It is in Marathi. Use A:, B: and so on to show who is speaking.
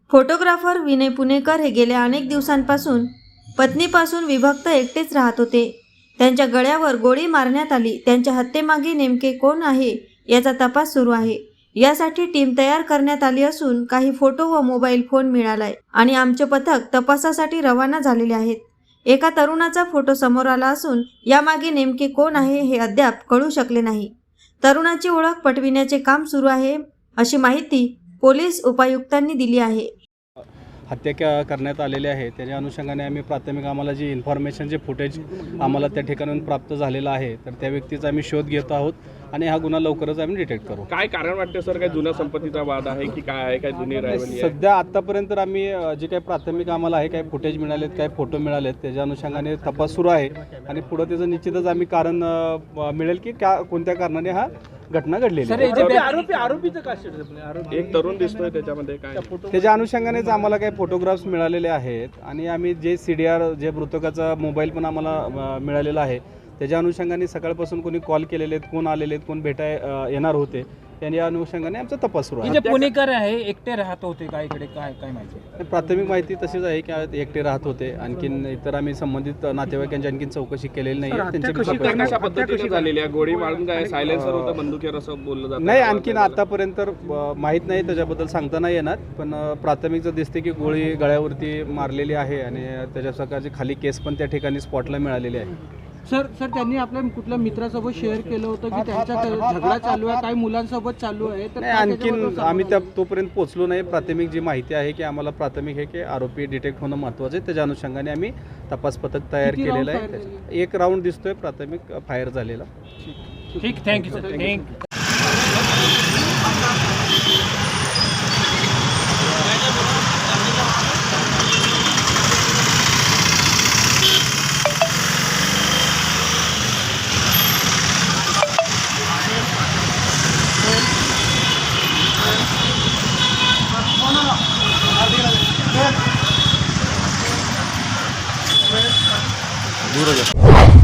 A: फोटोग्राफर विनय पुणेकर हे गेल्या अनेक दिवसांपासून पत्नीपासून विभक्त एकटेच राहत होते। त्यांच्या गळ्यावर गोळी मारण्यात आली। त्यांच्या हत्येमागे नेमके कोण आहे याचा तपास सुरू आहे। यासाठी टीम तयार करण्यात आली असून काही फोटो व मोबाईल फोन मिळालाय आणि आमचे पथक तपासासाठी रवाना झालेले आहेत। एका तरुणाचा फोटो समोर आला असून यामागे नेमके कोण आहे हे अद्याप कळू शकले नाही। तरुणाची ओळख पटविण्याचे काम सुरू आहे अशी माहिती पोलीस उपायुक्तांनी दिली आहे।
B: हत्या करण्यात आलेले आहे त्याच्या अनुषंगाने आम्ही प्राथमिक आम्हाला जी इन्फॉर्मेशन जे फुटेज आम्हाला त्या ठिकाणाहून प्राप्त झालेलं आहे तर त्या व्यक्तीचा आम्ही शोध घेत आहोत आणि हा गुन्हा लवकरच आम्ही डिटेक्ट करू।
C: काय कारण वाटते सर, काय जुन्या संपत्तीचा वाद आहे की काय आहे, काय जुनी राहिली?
B: सध्या आतापर्यंत तर आम्ही जे काही प्राथमिक आम्हाला आहे काय फुटेज मिळालेत काय फोटो मिळालेत त्याच्या अनुषंगाने तपास सुरू आहे आणि पुढे त्याचं निश्चितच आम्ही कारण मिळेल की कोणत्या कारणाने हा घटना घडलेली आहे।
C: आरोपीचं काय एक तरुण दिसतोय त्याच्यामध्ये काय
B: त्याच्या अनुषंगानेच आम्हाला काही फोटोग्राफ्स मिळालेले आहेत आणि आम्ही जे CDR जे मृतकाचा मोबाईल पण आम्हाला मिळालेला आहे त्याच्या अनुषंगाने सकाळपासून कोणी कॉल केलेले आहेत, कोण आलेले आहेत, कोण येणार होते या अनुषंगाने आमचा तपास सुरू आहे।
D: पुणेकर आहे एकटे राहत होते का इकडे, काय काय माहिती?
B: प्राथमिक माहिती तशीच आहे की एकटे राहत होते। आणखीन इतर आम्ही संबंधित नातेवाईकांची आणखीन चौकशी केलेली नाही।
C: त्यांची झालेली आहे गोळी मारून काय सायलेन्सर होतं बंदुकीवर असं बोललं जातं
B: नाही, आणखीन आतापर्यंत माहीत नाही, त्याच्याबद्दल सांगता नाही येणार। पण प्राथमिकचं दिसते की गोळी गळ्यावरती मारलेली आहे आणि त्याच्या सकाळची खाली केस पण त्या ठिकाणी स्पॉटला मिळालेली आहे।
E: सर त्यांनी आपल्या कुठल्या मित्रासोबत शेअर केलं होतं की त्यांचा झगडा चालू आहे, काही मुलांसोबत चालू आहे, तर
B: आणखीन आम्ही तोपर्यंत पोहोचलो नाही। प्राथमिक जी माहिती आहे की आम्हाला प्राथमिक आहे की आरोपी डिटेक्ट होणं महत्त्वाचं आहे, त्याच्या अनुषंगाने आम्ही तपास पथक तयार केलेलं आहे। एक राऊंड दिसतोय प्राथमिक फायर झालेला।
D: ठीक, थँक्यू सर, थँक्यू।
B: दूर हो जा।